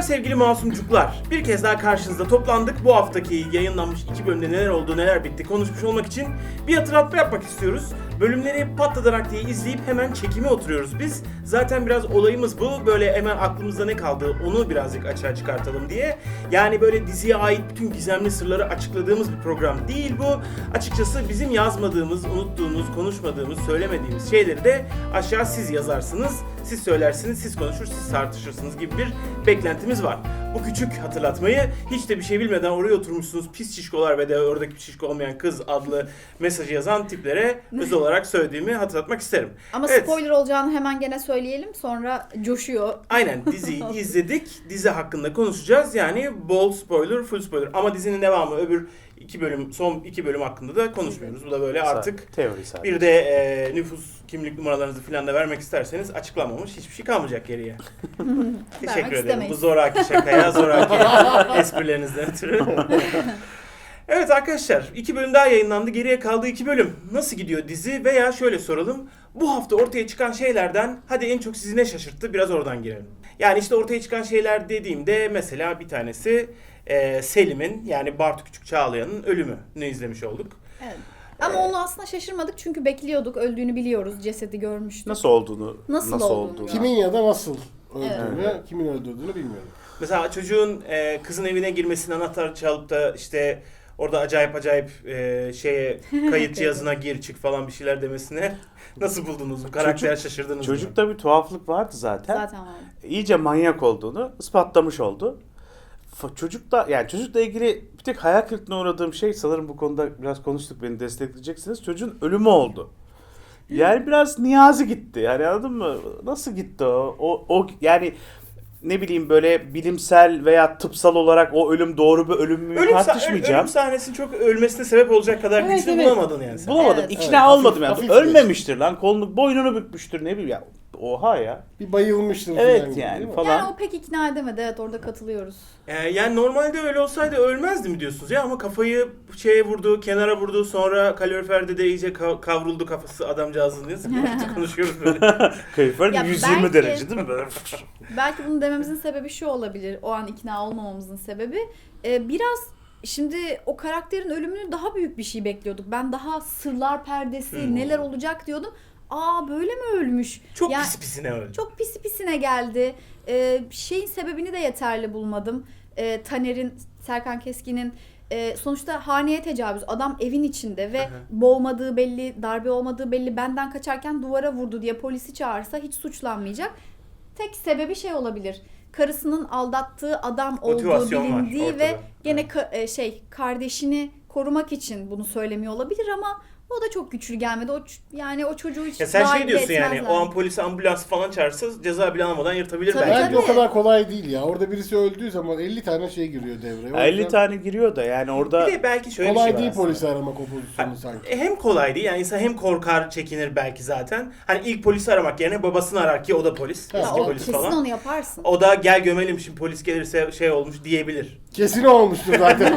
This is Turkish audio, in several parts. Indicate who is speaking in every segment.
Speaker 1: sevgili masumcuklar. Bir kez daha karşınızda toplandık. Bu haftaki yayınlanmış 2 bölümde neler oldu, neler bitti konuşmuş olmak için bir hatırlatma yapmak istiyoruz. Bölümleri patladarak diye izleyip hemen çekime oturuyoruz biz. Zaten biraz olayımız bu. Böyle hemen aklımızda ne kaldı onu birazcık açığa çıkartalım diye. Yani böyle diziye ait bütün gizemli sırları açıkladığımız bir program değil bu. Açıkçası bizim yazmadığımız, unuttuğumuz, konuşmadığımız, söylemediğimiz şeyleri de aşağı siz yazarsınız. Siz söylersiniz, siz konuşur, siz tartışırsınız gibi bir beklentimiz var. Bu küçük hatırlatmayı hiç de bir şey bilmeden oraya oturmuşsunuz pis şişkolar ve de oradaki pis şişko olmayan kız adlı mesajı yazan tiplere özel olarak söylediğimi hatırlatmak isterim.
Speaker 2: Ama
Speaker 1: Evet.
Speaker 2: spoiler olacağını hemen gene söyleyelim, sonra coşuyor.
Speaker 1: Aynen, diziyi izledik. Dizi hakkında konuşacağız. Yani bol spoiler, full spoiler. Ama dizinin devamı öbür 2 bölüm, son 2 bölüm hakkında da konuşmuyoruz. Bu da böyle artık
Speaker 3: teori sadece.
Speaker 1: bir de nüfus kimlik numaralarınızı falan da vermek isterseniz açıklanmamış hiçbir şey kalmayacak geriye. Teşekkür ederim.
Speaker 2: istemeyiz.
Speaker 1: Bu zoraki şakaya, zoraki esprilerinizden ötürü. Evet arkadaşlar, 2 bölüm daha yayınlandı. Geriye kaldı 2 bölüm. Nasıl gidiyor dizi? Veya şöyle soralım. Bu hafta ortaya çıkan şeylerden hadi en çok sizi ne şaşırttı? Biraz oradan girelim. Yani işte ortaya çıkan şeyler dediğimde mesela bir tanesi Selim'in, yani Bartu Küçük Çağlayan'ın ölümünü izlemiş olduk.
Speaker 2: Evet. Ama onu aslında şaşırmadık çünkü bekliyorduk. Öldüğünü biliyoruz. Cesedi görmüştük.
Speaker 3: Nasıl olduğunu,
Speaker 2: Nasıl olduğunu.
Speaker 4: Kimin ya da nasıl öldüğünü, kimin öldürdüğünü bilmiyorum.
Speaker 1: Mesela çocuğun kızın evine girmesini, anahtar çalıp da işte orada acayip şeye kayıt cihazına gir çık falan bir şeyler demesine nasıl buldunuz? Bu karakter şaşırdınız mı?
Speaker 3: Çocukta bir tuhaflık vardı zaten.
Speaker 2: Zaten vardı.
Speaker 3: İyice manyak olduğunu ispatlamış oldu. Çocukla ilgili bir tek hayal kırıklığına uğradığım şey, sanırım bu konuda biraz konuştuk, beni destekleyeceksiniz. Çocuğun ölümü oldu. Yani biraz niyazi gitti. Yani anladın mı? Nasıl gitti o? O yani ne bileyim, böyle bilimsel veya tıpsal olarak o ölüm doğru bir ölüm mü tartışmayacağım.
Speaker 1: Ölüm sahnesinin çok ölmesine sebep olacak kadar
Speaker 3: Evet,
Speaker 1: güçlü
Speaker 3: evet.
Speaker 1: bulamadın yani sen.
Speaker 3: Bulamadım.
Speaker 2: Evet.
Speaker 3: İkna
Speaker 4: Evet,
Speaker 3: olmadım yani.
Speaker 4: hafif
Speaker 3: Ölmemiştir lan. Kolunu, boynunu bükmüştür, ne bileyim ya. Oha ya.
Speaker 4: Bir bayılmıştır
Speaker 3: Evet
Speaker 4: falan gibi,
Speaker 3: yani
Speaker 4: değil mi?
Speaker 3: falan.
Speaker 2: Yani o pek ikna edemedi. Evet, orada katılıyoruz.
Speaker 1: Yani normalde öyle olsaydı ölmezdi mi diyorsunuz ya, ama kafayı şeye vurdu, kenara vurdu, sonra kaloriferde de iyice kavruldu kafası adamcağızın diye sıkıntı konuşuyoruz böyle.
Speaker 3: Kalorifer
Speaker 2: Ya
Speaker 3: 120
Speaker 2: belki-
Speaker 3: derece değil mi? Böyle.
Speaker 2: Belki bunu dememizin sebebi şu olabilir. O an ikna olmamamızın sebebi. Biraz şimdi o karakterin ölümünü daha büyük bir şey bekliyorduk. Ben daha sırlar perdesi, neler olacak diyordum. Aa, böyle mi ölmüş?
Speaker 1: Çok
Speaker 2: Ya-
Speaker 1: pis pisine öldü.
Speaker 2: Çok pisi pisine geldi. Şeyin sebebini de yeterli bulmadım. Taner'in, Serkan Keskin'in sonuçta haneye tecavüz. Adam evin içinde ve boğmadığı belli, darbe olmadığı belli. Benden kaçarken duvara vurdu diye polisi çağırsa hiç suçlanmayacak. Tek sebebi şey olabilir. Karısının aldattığı adam olduğu
Speaker 1: Motivasyon var
Speaker 2: bilindiği
Speaker 1: ortada.
Speaker 2: ve gene kardeşini korumak için bunu söylemiyor olabilir ama o da çok güçlü gelmedi. Yani o çocuğu hiç
Speaker 1: Ya sen
Speaker 2: dahil
Speaker 1: şey diyorsun yani,
Speaker 2: etmezler.
Speaker 1: o an polisi, ambulans falan çağırsa ceza bile almadan yırtabilir
Speaker 2: Tabii,
Speaker 1: belki.
Speaker 4: Bence o kadar kolay değil ya. Orada birisi öldüğü zaman 50 tane şey giriyor devreye. O
Speaker 3: 50
Speaker 4: yüzden
Speaker 3: tane giriyor da yani orada
Speaker 1: Bir de belki şöyle bir
Speaker 4: kolay
Speaker 1: şey var
Speaker 4: değil
Speaker 1: aslında.
Speaker 4: polisi aramak o pozisyonu sanki.
Speaker 1: Hem kolay değil yani, insan hem korkar, çekinir belki zaten. Hani ilk polisi aramak yerine babasını arar ki o da polis.
Speaker 4: Ya
Speaker 2: Ya
Speaker 1: Eski
Speaker 2: o
Speaker 1: polis
Speaker 2: kesin
Speaker 1: falan.
Speaker 2: onu yaparsın.
Speaker 1: O da gel gömelim şimdi polis gelirse şey olmuş diyebilir.
Speaker 4: Kesin olmuştur zaten.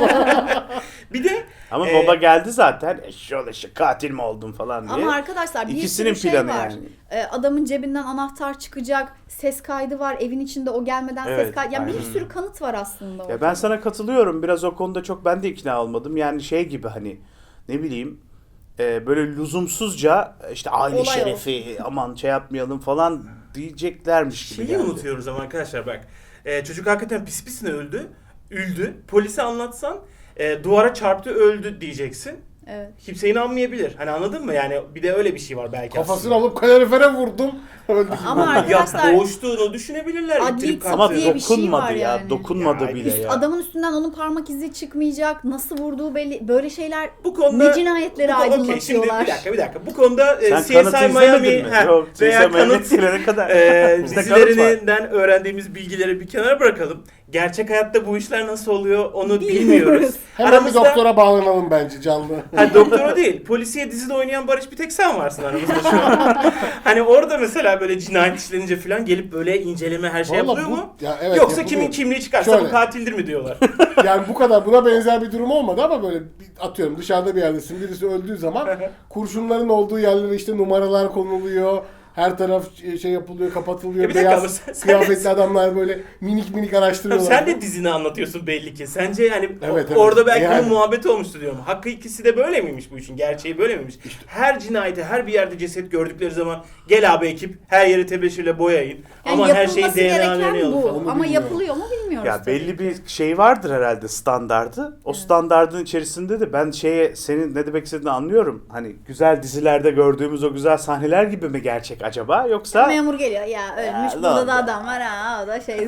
Speaker 1: Bir de
Speaker 3: ama baba geldi zaten, eşşoğlu katil mi oldun falan diye.
Speaker 2: Ama arkadaşlar bir
Speaker 3: İkisinin
Speaker 2: sürü şey
Speaker 3: planı
Speaker 2: var.
Speaker 3: yani.
Speaker 2: Adamın cebinden anahtar çıkacak, ses kaydı var, evin içinde o gelmeden ses
Speaker 3: Evet,
Speaker 2: kaydı. Yani bir
Speaker 3: aynen.
Speaker 2: sürü kanıt var aslında.
Speaker 3: Ya
Speaker 2: ortada.
Speaker 3: ben sana katılıyorum. Biraz o konuda çok ben de ikna olmadım. Yani şey gibi, hani ne bileyim, böyle lüzumsuzca işte aile
Speaker 2: Olay
Speaker 3: şerefi aman şey yapmayalım falan diyeceklermiş gibi
Speaker 1: şeyi
Speaker 3: geldi.
Speaker 1: unutuyoruz ama arkadaşlar bak. Çocuk hakikaten pis pisine üldü. Polise anlatsan duvara çarptı öldü diyeceksin.
Speaker 2: Evet.
Speaker 1: Kimse inanmayabilir. Hani anladın mı? Yani bir de öyle bir şey var belki
Speaker 4: Kafasını alıp kalorifere vurdum. Öldü gibi.
Speaker 2: Ama
Speaker 1: Ya
Speaker 2: arkadaşlar
Speaker 1: boğuştuğunu düşünebilirler.
Speaker 2: adli
Speaker 1: İttirip
Speaker 2: tıp
Speaker 3: Ama
Speaker 1: kalktığını.
Speaker 2: diye bir şey
Speaker 3: dokunmadı
Speaker 2: var
Speaker 3: ya.
Speaker 2: yani.
Speaker 3: Dokunmadı
Speaker 1: Ya,
Speaker 3: bile ya.
Speaker 2: adamın üstünden onun parmak izi çıkmayacak, nasıl vurduğu belli. Böyle şeyler
Speaker 1: Bu konuda
Speaker 2: ne cinayetleri
Speaker 1: okey, şimdi
Speaker 2: aydınlatıyorlar.
Speaker 1: bir dakika. Bu konuda
Speaker 3: Sen
Speaker 1: CSI
Speaker 3: kanıtı
Speaker 1: Miami
Speaker 3: izlemedin mi? Yok, CSI
Speaker 1: veya
Speaker 3: Miami
Speaker 1: kanıt
Speaker 3: gelene kadar. Bizde kanıt var.
Speaker 1: dizilerinden öğrendiğimiz bilgileri bir kenara bırakalım. Gerçek hayatta bu işler nasıl oluyor onu bilmiyoruz.
Speaker 4: Hemen bir doktora bağlanalım bence canlı.
Speaker 1: Ha, doktor o değil. Polisiye dizide oynayan Barış bir tek sen varsın aramızda şu an. Hani orada mesela böyle cinayet işlenince falan gelip böyle inceleme her şey
Speaker 4: Vallahi
Speaker 1: yapılıyor
Speaker 4: bu-
Speaker 1: mu?
Speaker 4: ya evet,
Speaker 1: Yoksa
Speaker 4: yapılıyor.
Speaker 1: kimin kimliği çıkarsa
Speaker 4: Şöyle.
Speaker 1: bu katildir mi diyorlar.
Speaker 4: Yani bu kadar buna benzer bir durum olmadı ama böyle atıyorum dışarıda bir yerdesin, birisi öldüğü zaman kurşunların olduğu yerlere işte numaralar konuluyor. Her taraf şey yapılıyor, kapatılıyor.
Speaker 1: Bir dakika ama
Speaker 4: Beyaz
Speaker 1: sen
Speaker 4: kıyafetli adamlar böyle minik araştırıyorlar.
Speaker 1: Sen de dizini anlatıyorsun belli ki. Sence yani
Speaker 4: Evet.
Speaker 1: orada belki
Speaker 4: Yani.
Speaker 1: bunun muhabbeti olmuştu diyorum. Hakkı ikisi de böyle miymiş bu işin? Gerçeği böyle miymiş? Her cinayete, her bir yerde ceset gördükleri zaman gel abi ekip her yeri tebeşirle boyayın.
Speaker 2: Yani
Speaker 1: Ama her şeyi
Speaker 2: yapılması
Speaker 1: DNA'larını
Speaker 2: gereken
Speaker 1: alalım
Speaker 2: bu.
Speaker 1: falan.
Speaker 4: Onu
Speaker 2: Ama
Speaker 4: bilmiyorum.
Speaker 2: yapılıyor mu bilmiyoruz.
Speaker 3: Ya
Speaker 2: tabii
Speaker 3: belli
Speaker 2: ki.
Speaker 3: bir şey vardır herhalde standardı. O standardın içerisinde de ben senin ne demek istediğini anlıyorum. Hani güzel dizilerde gördüğümüz o güzel sahneler gibi mi gerçek acaba yoksa
Speaker 2: Memur geliyor ya ölmüş
Speaker 3: Ya,
Speaker 2: burada
Speaker 3: lan
Speaker 2: da
Speaker 3: ya.
Speaker 2: adam var ha o da şey.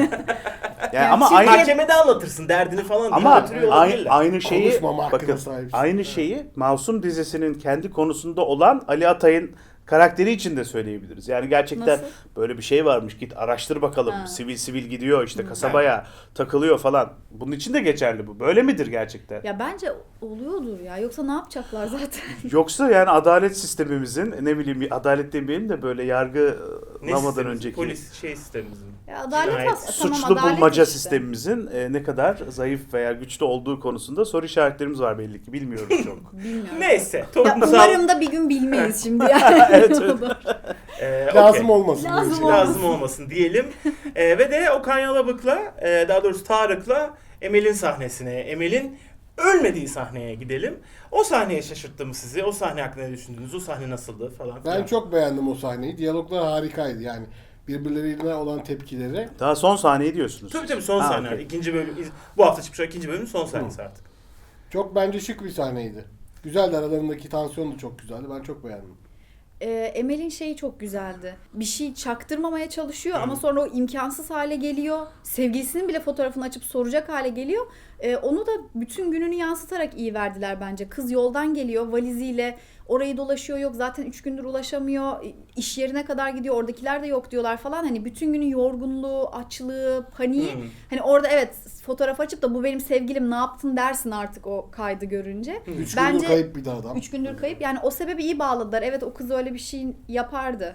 Speaker 3: yani ama
Speaker 2: Türkiye-
Speaker 3: aynı
Speaker 1: Mahkemede anlatırsın derdini falan diye
Speaker 3: ama
Speaker 1: götürüyor olabilirler.
Speaker 3: aynı şeyi
Speaker 4: Konuşmama hakkına
Speaker 3: bakın
Speaker 4: sahipsin.
Speaker 3: aynı şeyi Masum dizisinin kendi konusunda olan Ali Atay'ın karakteri için de söyleyebiliriz. Yani gerçekten
Speaker 2: Nasıl?
Speaker 3: böyle bir şey varmış. Git araştır bakalım.
Speaker 2: Ha.
Speaker 3: Sivil gidiyor işte kasabaya takılıyor falan. Bunun için de geçerli bu. Böyle midir gerçekten?
Speaker 2: Ya bence oluyordur ya. Yoksa ne yapacaklar zaten?
Speaker 3: Yoksa yani adalet sistemimizin ne bileyim adalet demeyelim de böyle
Speaker 1: Ne
Speaker 3: yargılamadan
Speaker 1: sistemimiz?
Speaker 3: önceki
Speaker 1: Polis sistemimizin.
Speaker 2: Ya adalet
Speaker 1: Cinayet.
Speaker 2: tamam,
Speaker 3: suçlu
Speaker 2: adalet
Speaker 3: bulmaca
Speaker 2: işte.
Speaker 3: sistemimizin ne kadar zayıf veya güçlü olduğu konusunda soru işaretlerimiz var belli ki. Bilmiyoruz çok.
Speaker 2: Bilmiyorum.
Speaker 1: Neyse.
Speaker 2: Ya
Speaker 1: Toplumsal...
Speaker 2: umarım da bir gün bilmeyiz şimdi yani.
Speaker 3: Evet,
Speaker 2: Ne olur.
Speaker 4: Lazım
Speaker 1: okey.
Speaker 4: olmasın. böyle
Speaker 2: Lazım
Speaker 4: şey.
Speaker 2: olmasın.
Speaker 1: Lazım olmasın diyelim. Ve de Okan Yalabık'la daha doğrusu Tarık'la Emel'in sahnesine, Emel'in ölmediği sahneye gidelim. O sahneye şaşırttı mı sizi? O sahne hakkında ne düşündünüz? O sahne nasıldı falan filan.
Speaker 4: Ben çok beğendim o sahneyi. Diyaloglar harikaydı yani. Birbirlerine olan tepkileri.
Speaker 3: Daha son sahneyi diyorsunuz.
Speaker 1: Tabii son
Speaker 3: Ha,
Speaker 1: sahne.
Speaker 3: okey.
Speaker 1: İkinci bölüm, bu hafta çıkmış ikinci bölümün son sahnesi artık.
Speaker 4: Çok bence şık bir sahneydi. Güzeldi, aralarındaki tansiyon da çok güzeldi. Ben çok beğendim.
Speaker 2: Emel'in şeyi çok güzeldi. Bir şey çaktırmamaya çalışıyor ama sonra o imkansız hale geliyor. Sevgilisinin bile fotoğrafını açıp soracak hale geliyor. Onu da bütün gününü yansıtarak iyi verdiler bence. Kız yoldan geliyor valiziyle orayı dolaşıyor, yok zaten 3 gündür ulaşamıyor. İş yerine kadar gidiyor, oradakiler de yok diyorlar falan. Hani bütün günün yorgunluğu, açlığı, paniği. Hani orada evet fotoğraf açıp da bu benim sevgilim ne yaptın dersin artık o kaydı görünce.
Speaker 4: 3
Speaker 2: Bence-
Speaker 4: gündür kayıp bir de adam.
Speaker 2: 3 gündür kayıp. Yani o sebebi iyi bağladılar. Evet o kız öyle bir şey yapardı.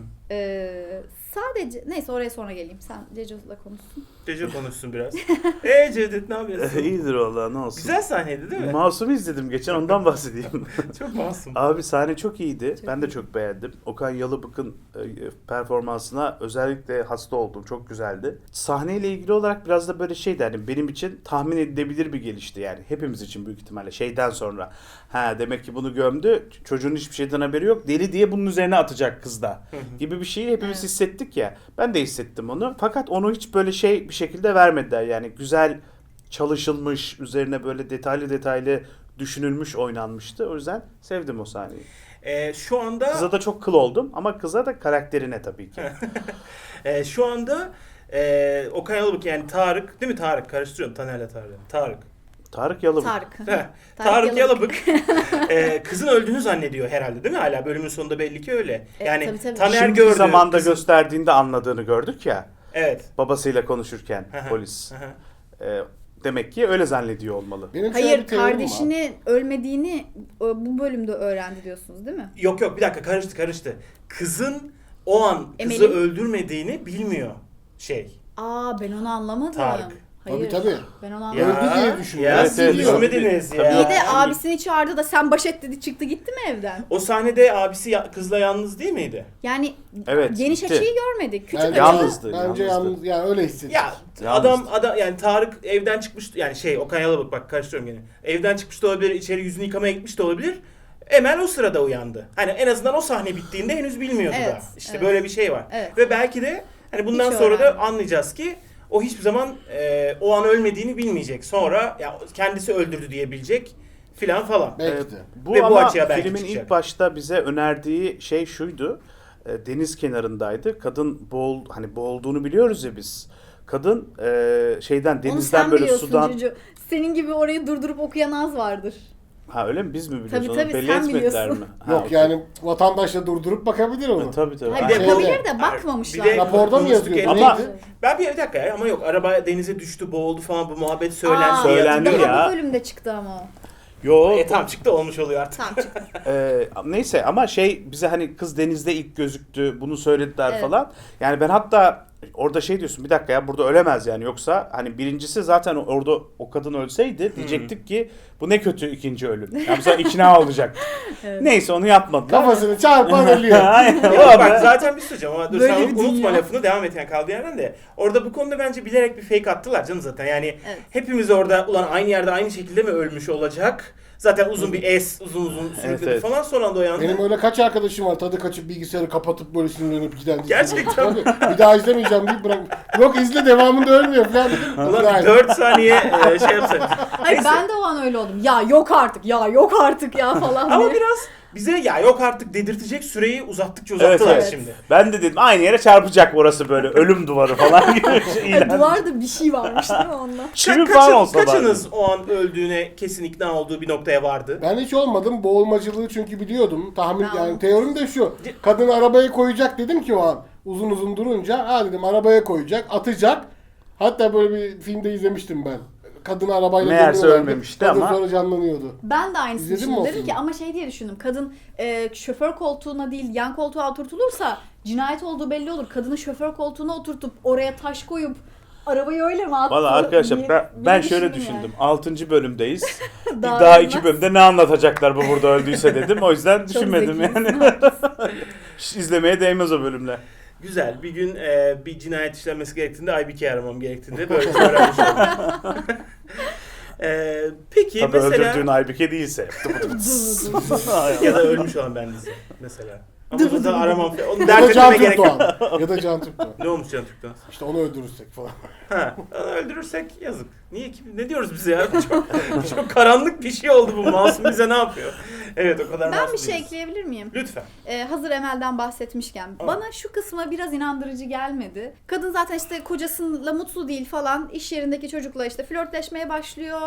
Speaker 2: Sadece neyse oraya sonra geleyim. Sen Ceco'la konuşsun.
Speaker 1: Ceco konuşsun biraz. Cevdet ne yapıyorsun?
Speaker 3: İyidir vallahi ne olsun.
Speaker 1: Güzel sahneydi değil mi?
Speaker 3: Masum'u izledim geçen ondan bahsedeyim.
Speaker 1: Çok masum.
Speaker 3: Abi sahne çok iyiydi.
Speaker 2: Çok
Speaker 3: Ben de
Speaker 2: iyi.
Speaker 3: çok beğendim. Okan Yalıbık'ın performansına özellikle hasta oldum. Çok güzeldi. Sahneyle ilgili olarak biraz da böyle şeydi hani benim için tahmin edilebilir bir gelişti yani. Hepimiz için büyük ihtimalle şeyden sonra. Ha demek ki bunu gömdü. Çocuğun hiçbir şeyden haberi yok. Deli diye bunun üzerine atacak kız da. Gibi bir şeyi hepimiz
Speaker 2: Evet.
Speaker 3: hissettik ya. Ben de hissettim onu. Fakat onu hiç böyle bir şekilde vermediler. Yani güzel çalışılmış, üzerine böyle detaylı düşünülmüş oynanmıştı. O yüzden sevdim o sahneyi.
Speaker 1: Şu anda
Speaker 3: Kıza da çok kıl oldum ama kıza da karakterine tabii ki.
Speaker 1: şu anda Okan Yalabık yani Tarık değil mi Tarık? Karıştırıyorum Taner'le Tarık. Tarık.
Speaker 3: Tarık Yalıbık.
Speaker 2: Tarık.
Speaker 1: Heh, Tarık Yalabık kızın öldüğünü zannediyor herhalde değil mi? Hala bölümün sonunda belli ki öyle. Yani
Speaker 2: tabii, tabii.
Speaker 1: Taner
Speaker 3: Şimdiki
Speaker 1: gördü.
Speaker 3: zamanda
Speaker 1: kızın-
Speaker 3: gösterdiğinde anladığını gördük ya.
Speaker 1: Evet.
Speaker 3: Babasıyla konuşurken polis. Demek ki öyle zannediyor olmalı.
Speaker 4: Benim şöyle
Speaker 2: Hayır
Speaker 4: bir teorim var.
Speaker 2: kardeşini ölmediğini bu bölümde öğrendi diyorsunuz değil mi?
Speaker 1: Yok bir dakika karıştı. Kızın o an kızı
Speaker 2: Emel'in-
Speaker 1: öldürmediğini bilmiyor
Speaker 2: Ben onu anlamadım.
Speaker 1: Tarık.
Speaker 2: Hayır.
Speaker 4: Tabii.
Speaker 2: Ben onu
Speaker 1: Ya,
Speaker 2: anlamadım.
Speaker 4: Öldü diye düşünüyor.
Speaker 1: Ya
Speaker 3: Evet,
Speaker 1: siz
Speaker 3: evet,
Speaker 1: düşünmediniz
Speaker 3: tabii.
Speaker 1: ya.
Speaker 2: İyi de
Speaker 3: Yani-
Speaker 2: abisini çağırdı da sen baş et dedi çıktı gitti mi evden?
Speaker 1: O sahnede abisi kızla yalnız değil miydi?
Speaker 2: Yani
Speaker 3: Evet,
Speaker 2: geniş
Speaker 3: gitti.
Speaker 2: açıyı görmedik. Küçük
Speaker 4: Bence,
Speaker 2: açılı.
Speaker 3: Yalnızdı,
Speaker 4: Bence
Speaker 3: yalnızdı.
Speaker 4: yalnız, yani öyle hissettim.
Speaker 1: Ya
Speaker 3: Yalnızdı.
Speaker 1: adam yani Tarık evden çıkmış yani Okan Yalabık bak karıştırıyorum gene. Evden çıkmış da olabilir, içeri yüzünü yıkamaya gitmiş de olabilir. Emel o sırada uyandı. Hani en azından o sahne bittiğinde henüz bilmiyordu
Speaker 2: Evet,
Speaker 1: da. İşte
Speaker 2: evet.
Speaker 1: böyle bir şey var.
Speaker 2: Evet.
Speaker 1: Ve belki de hani bundan
Speaker 2: Hiç
Speaker 1: sonra da
Speaker 2: öğrenmedim.
Speaker 1: anlayacağız ki o hiçbir zaman o an ölmediğini bilmeyecek. Sonra ya kendisi öldürdü diyebilecek falan.
Speaker 4: Belki de.
Speaker 3: Bu
Speaker 1: Ve bu
Speaker 3: ama
Speaker 1: açıya belki
Speaker 3: filmin
Speaker 1: çıkacak.
Speaker 3: ilk başta bize önerdiği şey şuydu. Deniz kenarındaydı. Kadın boğulduğunu biliyoruz ya biz. Kadın
Speaker 2: Onu
Speaker 3: denizden
Speaker 2: sen
Speaker 3: böyle
Speaker 2: biliyorsun
Speaker 3: sudan.
Speaker 2: Cucu. Senin gibi orayı durdurup okuyan az vardır.
Speaker 3: Ha öyle mi? Biz mi biliyoruz?
Speaker 2: Tabii,
Speaker 3: Onu
Speaker 2: tabii,
Speaker 3: belli
Speaker 2: sen
Speaker 3: etmediler
Speaker 2: biliyorsun.
Speaker 3: mi? Ha,
Speaker 4: Yok
Speaker 3: okey.
Speaker 4: yani vatandaş da durdurup bakabilir onu.
Speaker 3: Tabii.
Speaker 2: Hayır,
Speaker 1: Bir de-
Speaker 2: bakabilir de bakmamışlar.
Speaker 1: Bir de-
Speaker 4: Raporda mı
Speaker 1: konuştuk
Speaker 4: yazıyordu?
Speaker 3: Ama-
Speaker 4: Neydi?
Speaker 1: Ben bir dakika ya ama yok araba denize düştü boğuldu falan bu muhabbet söylendi.
Speaker 3: Söylendi
Speaker 1: hatırlıyorum.
Speaker 3: ya.
Speaker 2: Bu bölümde çıktı ama o.
Speaker 3: Yo,
Speaker 1: Tam çıktı olmuş oluyor artık.
Speaker 2: Tamam çıktı.
Speaker 3: neyse ama bize hani kız denizde ilk gözüktü bunu söylediler
Speaker 2: Evet.
Speaker 3: falan. Yani ben hatta Orada şey diyorsun, bir dakika ya, burada ölemez yani, yoksa hani birincisi zaten orada o kadın ölseydi diyecektik ki bu ne kötü ikinci ölüm. Yani mesela ikna olacak. Neyse, onu yapmadılar.
Speaker 4: Kafasını çarpan ölüyor.
Speaker 3: Aynen.
Speaker 1: Ya bak zaten bir söyleyeceğim ama dur
Speaker 2: Böyle
Speaker 1: sen
Speaker 2: bir
Speaker 1: unutma
Speaker 2: dünya.
Speaker 1: lafını, devam et yani kaldığı yerden de. Orada bu konuda bence bilerek bir fake attılar canım zaten. Yani
Speaker 2: Evet.
Speaker 1: hepimiz orada ulan aynı yerde aynı şekilde mi ölmüş olacak? Zaten uzun bir uzun sürükledi
Speaker 3: evet.
Speaker 1: falan, son anda uyandı.
Speaker 4: Benim öyle kaç arkadaşım var, tadı kaçıp bilgisayarı kapatıp böyle sinirlenip giden.
Speaker 1: Gerçekten
Speaker 4: Tabii, bir daha izlemeyeceğim deyip bırak. Yok izle, devamında ölmüyor falan dedim.
Speaker 1: Ulan bir 4 saniye şey yapsak.
Speaker 2: Hayır ben de o an öyle oldum. Ya yok artık, ya yok artık ya falan
Speaker 1: Ama
Speaker 2: diye.
Speaker 1: biraz bize ya yok artık dedirtecek süreyi uzattıkça
Speaker 3: Evet,
Speaker 1: uzattılar
Speaker 3: evet.
Speaker 1: şimdi.
Speaker 3: Ben de dedim aynı yere çarpacak orası, böyle ölüm duvarı falan gibi bir şey ilan.
Speaker 2: Duvarda bir şey varmış değil mi onunla?
Speaker 3: Çivi falan olsa
Speaker 1: Kaçınız o an öldüğüne kesin ikna olduğu bir noktaya vardı?
Speaker 4: Ben hiç olmadım. Boğulmacılığı çünkü biliyordum. Tahmin
Speaker 2: Ben
Speaker 4: yani teorim de şu. Kadın arabaya koyacak dedim ki o an. Uzun uzun durunca ha dedim arabaya koyacak, atacak. Hatta böyle bir filmde izlemiştim ben. Kadın arabayla
Speaker 3: Meğerse
Speaker 4: dönüyorlardı.
Speaker 3: ölmemişti
Speaker 4: Kadın
Speaker 3: ama.
Speaker 4: sonra canlanıyordu.
Speaker 2: Ben de aynısını
Speaker 4: İzledin mi o
Speaker 2: düşündüm. Dedim ki
Speaker 4: filmi?
Speaker 2: ama şey diye düşündüm. Kadın şoför koltuğuna değil yan koltuğa oturtulursa cinayet olduğu belli olur. Kadını şoför koltuğuna oturtup oraya taş koyup arabayı öyle mi attı?
Speaker 3: Valla arkadaşlar
Speaker 2: diye
Speaker 3: ben
Speaker 2: bir
Speaker 3: şöyle
Speaker 2: düşündüm
Speaker 3: düşündüm. 6. bölümdeyiz.
Speaker 2: Daha
Speaker 3: Daha
Speaker 2: bilmez.
Speaker 3: 2 bölümde ne anlatacaklar bu burada öldüyse dedim. O yüzden
Speaker 2: Çok
Speaker 3: düşünmedim
Speaker 2: zekisin,
Speaker 3: yani. Hiç izlemeye değmez o bölümler.
Speaker 1: Güzel. Bir gün bir cinayet işlenmesi gerektiğinde IBK'yi aramam gerektiğinde böyle öğrenmiş oldum. Peki
Speaker 3: Tabii
Speaker 1: mesela
Speaker 3: öldürdüğün Aybike değilse.
Speaker 1: ya da ölmüş olan bendisi mesela. Ama
Speaker 2: Dur,
Speaker 1: zaten
Speaker 2: dur,
Speaker 1: aramam. Onu
Speaker 4: Ya
Speaker 1: dert
Speaker 4: da Can
Speaker 1: etmeme gerek yok.
Speaker 4: Türkdoğan. Ya da Can Türkdoğan.
Speaker 1: Ne olmuş Can Türk'ten?
Speaker 4: İşte onu öldürürsek falan.
Speaker 1: Ha, onu öldürürsek yazık. Niye ki? Ne diyoruz biz ya? Çok karanlık bir şey oldu bu. Masum bize ne yapıyor? Evet, o kadar
Speaker 2: Ben
Speaker 1: masum
Speaker 2: bir şey
Speaker 1: değiliz.
Speaker 2: ekleyebilir miyim?
Speaker 1: Lütfen.
Speaker 2: Hazır Emel'den bahsetmişken bana şu kısma biraz inandırıcı gelmedi. Kadın zaten işte kocasıyla mutlu değil falan, iş yerindeki çocukla işte flörtleşmeye başlıyor,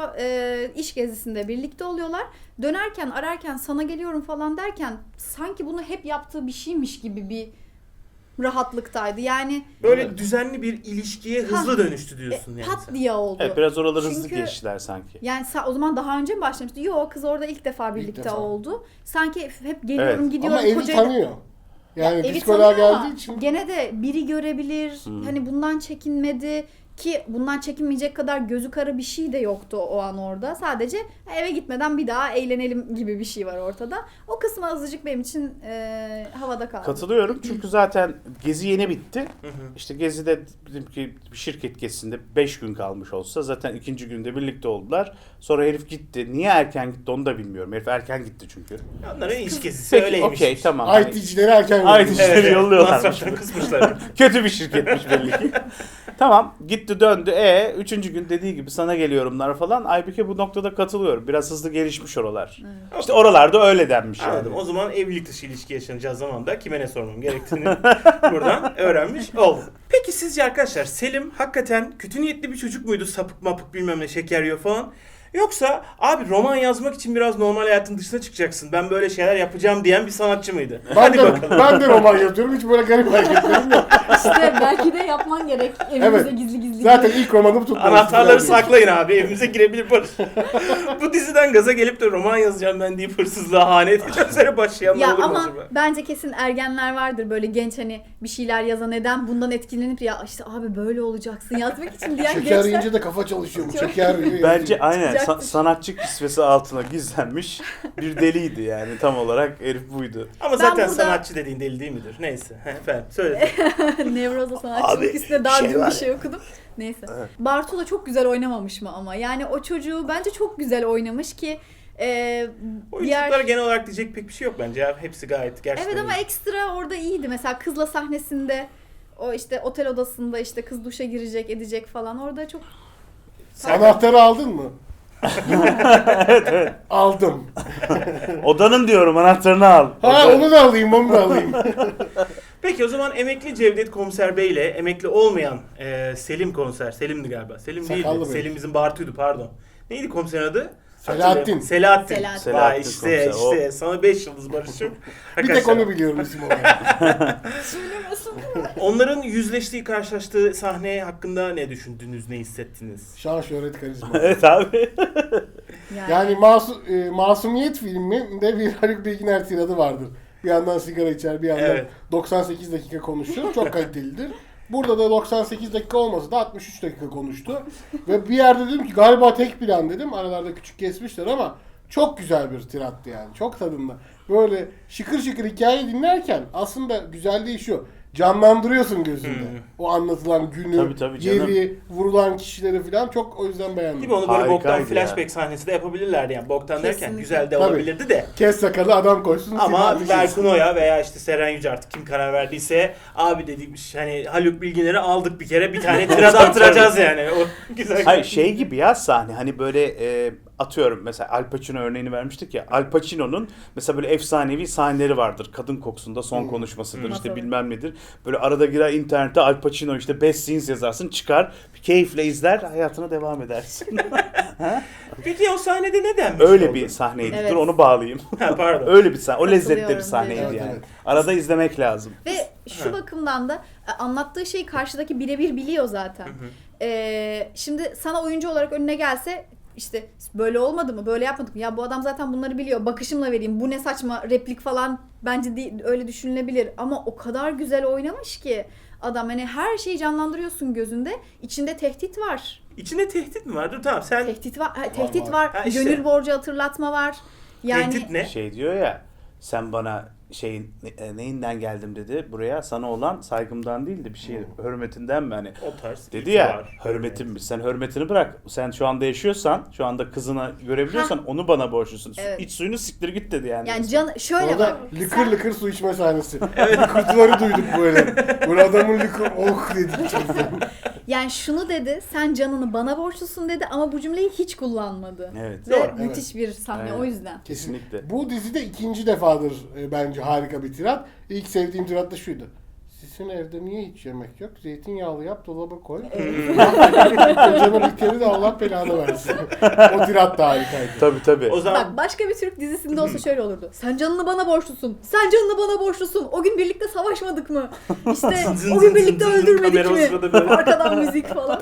Speaker 2: iş gezisinde birlikte oluyorlar. Dönerken ararken sana geliyorum falan derken sanki bunu hep yaptığı bir şeymiş gibi bir rahatlıktaydı. Yani
Speaker 1: Böyle düzenli bir ilişkiye hızlı dönüştü diyorsun yani.
Speaker 2: pat
Speaker 1: sen.
Speaker 2: diye oldu.
Speaker 3: Evet, biraz oraları hızlı
Speaker 2: Çünkü-
Speaker 3: geçtiler sanki.
Speaker 2: Yani o zaman daha önce mi başlamıştı? Yok, kız orada ilk defa birlikte
Speaker 4: defa.
Speaker 2: oldu. Sanki hep geliyorum
Speaker 3: Evet.
Speaker 2: gidiyorum
Speaker 4: Ama evi
Speaker 2: kocayla-
Speaker 4: tanıyor. Yani
Speaker 2: Evi
Speaker 4: psikoloğa
Speaker 2: tanıyor ama
Speaker 4: geldiği için.
Speaker 2: gene de biri görebilir. Hani bundan çekinmedi ki bundan çekinmeyecek kadar gözü kara bir şey de yoktu o an orada. Sadece eve gitmeden bir daha eğlenelim gibi bir şey var ortada. O kısmı azıcık benim için havada kaldı.
Speaker 3: Katılıyorum çünkü zaten gezi yeni bitti. İşte gezide dedim ki bir şirket gezisinde 5 gün kalmış olsa zaten ikinci günde birlikte oldular. Sonra herif gitti. Niye erken gitti onu da bilmiyorum. Herif erken gitti çünkü.
Speaker 1: Onların iş gezisi
Speaker 3: Peki
Speaker 1: öyleymiş.
Speaker 3: okey tamam. Hani
Speaker 4: IT'cileri erken
Speaker 3: IT
Speaker 4: yolluyor.
Speaker 3: işleri yolluyorlarmış.
Speaker 1: Masraftan kısmışlar.
Speaker 3: Kötü bir şirketmiş belli ki. Tamam gitti döndü. Üçüncü gün dediği gibi sana geliyorumlar falan. Aybike bu noktada katılıyorum. Biraz hızlı gelişmiş oralar. İşte oralarda öyle denmiş yani.
Speaker 1: Anladım. O zaman evlilik dışı ilişki yaşanacağı zaman da kime ne sormam gerektiğini buradan öğrenmiş oldum. Peki sizce arkadaşlar Selim hakikaten kötü niyetli bir çocuk muydu? Sapık mapık bilmem ne, şeker yiyor falan. Yoksa abi roman yazmak için biraz normal hayatın dışına çıkacaksın, ben böyle şeyler yapacağım diyen bir sanatçı mıydı?
Speaker 4: Ben de roman yazıyorum. Hiç böyle garip hareketlerim yok.
Speaker 2: İşte belki de yapman gerek evimize
Speaker 4: Evet.
Speaker 2: gizli gizli.
Speaker 4: Zaten ilk romanım tutmadı.
Speaker 1: Anahtarları saklayın abi, evimize girebilir barış. Bu diziden gaza gelip de roman yazacağım ben deyip hırsızlığa hane edeceğim üzere başlayanlar
Speaker 2: Ya
Speaker 1: olur mu
Speaker 2: ama
Speaker 1: acaba?
Speaker 2: bence kesin ergenler vardır böyle genç, hani bir şeyler yazan eden, bundan etkilenip ya işte abi böyle olacaksın yazmak için diyen
Speaker 4: Şeker
Speaker 2: gençler.
Speaker 4: yiyince de kafa çalışıyormuş.
Speaker 2: Çok-
Speaker 4: Şeker yiyor.
Speaker 3: Bence aynen
Speaker 2: Çıkacaktır.
Speaker 3: sanatçı kisvesi altına gizlenmiş bir deliydi yani, tam olarak herif buydu.
Speaker 1: Ama
Speaker 2: Ben
Speaker 1: zaten
Speaker 2: burada-
Speaker 1: sanatçı dediğin deli değil midir? Neyse. Efendim söyle.
Speaker 2: Nevroza sanatçılık
Speaker 3: Abi,
Speaker 2: üstüne daha
Speaker 3: şey
Speaker 2: dün
Speaker 3: var
Speaker 2: bir şey okudum. Neyse. Bartu da çok güzel oynamamış mı ama? Yani o çocuğu bence çok güzel oynamış ki
Speaker 1: Oyunculuklara genel olarak diyecek pek bir şey yok bence ya. Hepsi gayet gerçekten
Speaker 2: Evet ama
Speaker 1: iyi.
Speaker 2: ekstra orada iyiydi. Mesela kızla sahnesinde o işte otel odasında işte kız duşa girecek edecek falan, orada çok
Speaker 4: Anahtarı aldın mı? Aldım.
Speaker 3: Odanın diyorum anahtarını al.
Speaker 4: Ha onu da alayım, onu da alayım.
Speaker 1: Peki o zaman emekli Cevdet Komiser Bey ile emekli olmayan Selim Komiser. Selim'di galiba. Selim
Speaker 4: Sakallı
Speaker 1: değildi.
Speaker 4: Bey.
Speaker 1: Selim bizim Bartu'ydu, pardon. Neydi komiserin adı?
Speaker 4: Selahattin.
Speaker 1: Hatırlayamadım. Selahattin.
Speaker 2: Selahattin.
Speaker 1: Vay
Speaker 3: Selahattin
Speaker 1: işte
Speaker 3: komiser,
Speaker 1: sana 5 yıldız Barış'ım.
Speaker 4: Bir tek onu biliyorum isim olarak.
Speaker 2: söylemesin.
Speaker 1: Onların yüzleştiği, karşılaştığı sahne hakkında ne düşündünüz, ne hissettiniz?
Speaker 4: Şan, şöhret, karizma.
Speaker 3: Evet abi.
Speaker 4: Yani Masumiyet filminde bir Haluk Bilginer tiradı vardır. Bir yandan sigara içer, bir yandan
Speaker 1: Evet.
Speaker 4: 98 dakika konuşur. Çok kalitelidir. Burada da 98 dakika olmasa da 63 dakika konuştu. Ve bir yerde dedim ki galiba tek plan dedim. Aralarda küçük kesmişler ama çok güzel bir tirattı yani. Çok tadında. Böyle şıkır şıkır hikayeyi dinlerken aslında güzelliği şu. Canlandırıyorsun gözünde. O anlatılan günü,
Speaker 3: Tabii canım.
Speaker 4: yeri, vurulan kişileri falan çok o yüzden beğendim.
Speaker 1: Değil mi? Onu böyle
Speaker 3: Harikaydı
Speaker 1: boktan
Speaker 3: ya.
Speaker 1: flashback sahnesi de yapabilirlerdi yani. Boktan derken
Speaker 2: Kesinlikle.
Speaker 1: güzel de
Speaker 4: Tabii.
Speaker 1: olabilirdi de.
Speaker 4: Kes sakalı adam koysun.
Speaker 1: Ama
Speaker 4: silah düşürsün.
Speaker 1: Berkun Oya veya işte Seren Yüce artık kim karar verdiyse abi dediğimiz hani Haluk Bilginer'i aldık bir kere bir tane tirad attıracağız yani. O güzel.
Speaker 3: Hayır şey gibi ya sahne hani böyle atıyorum mesela Al Pacino örneğini vermiştik ya. Al Pacino'nun mesela böyle efsanevi sahneleri vardır. Kadın kokusunda son konuşmasıdır işte
Speaker 2: Tabii.
Speaker 3: bilmem nedir. Böyle arada girer internete Al Pacino işte best scenes yazarsın çıkar keyifle izler hayatına devam edersin.
Speaker 1: Peki o sahnede ne denmiş
Speaker 3: Öyle
Speaker 1: oldu?
Speaker 3: bir sahneydi.
Speaker 2: Evet.
Speaker 3: Dur onu bağlayayım.
Speaker 1: Ha, pardon.
Speaker 3: Öyle bir sahne. O lezzetli bir
Speaker 2: Katılıyorum,
Speaker 3: sahneydi
Speaker 4: evet.
Speaker 3: yani.
Speaker 4: Evet.
Speaker 3: Arada izlemek lazım.
Speaker 2: Ve şu bakımdan da anlattığı şeyi karşıdaki birebir biliyor zaten. Şimdi sana oyuncu olarak önüne gelse işte böyle olmadı mı, böyle yapmadık mı? Ya bu adam zaten bunları biliyor. Bakışımla vereyim. Bu ne saçma replik falan bence değil, öyle düşünülebilir. Ama o kadar güzel oynamış ki adam hani her şeyi canlandırıyorsun gözünde. İçinde tehdit var.
Speaker 1: İçinde tehdit mi var? Dur tamam sen
Speaker 2: Tehdit var. Tehdit var.
Speaker 1: Ha, işte.
Speaker 2: Gönül borcu hatırlatma var. Yani
Speaker 1: tehdit ne?
Speaker 3: Şey diyor ya sen bana neyinden geldim dedi buraya sana olan saygımdan değil de bir şey hürmetinden mi hani
Speaker 1: O tarz.
Speaker 3: dedi ya
Speaker 1: var.
Speaker 3: hürmetimmiş sen hürmetini bırak sen şu anda yaşıyorsan şu anda kızını görebiliyorsan onu bana borçlusun
Speaker 2: Evet.
Speaker 3: iç suyunu siktir git dedi yani.
Speaker 2: yani şöyle
Speaker 4: Orada
Speaker 2: bak.
Speaker 4: lıkır lıkır su içme sahnesi. Kurtuları duyduk böyle. Böyle adamın lıkır oh dedik.
Speaker 2: Yani şunu dedi, sen canını bana borçlusun dedi ama bu cümleyi hiç kullanmadı.
Speaker 3: Evet.
Speaker 2: Ve
Speaker 1: Doğru.
Speaker 2: müthiş bir sahne
Speaker 3: Evet.
Speaker 2: o yüzden.
Speaker 3: Kesinlikle.
Speaker 4: Bu dizide ikinci defadır bence harika bir tirat. İlk sevdiğim tirat da şuydu. Sizin evde niye hiç yemek yok? Zeytinyağlı yap, dolaba koy. Kocana bir kere de Allah belanı versin. O tirat da harikaydı.
Speaker 3: Tabii.
Speaker 1: O zaman
Speaker 2: Bak başka bir Türk dizisinde olsa şöyle olurdu. Sen canını bana borçlusun. Sen canını bana borçlusun. O gün birlikte savaşmadık mı? İşte
Speaker 1: Zın
Speaker 2: o
Speaker 1: zın
Speaker 2: gün birlikte
Speaker 1: zın zın
Speaker 2: öldürmedik
Speaker 1: kamera o
Speaker 2: mi?
Speaker 1: sırada böyle.
Speaker 2: Arkadan müzik falan.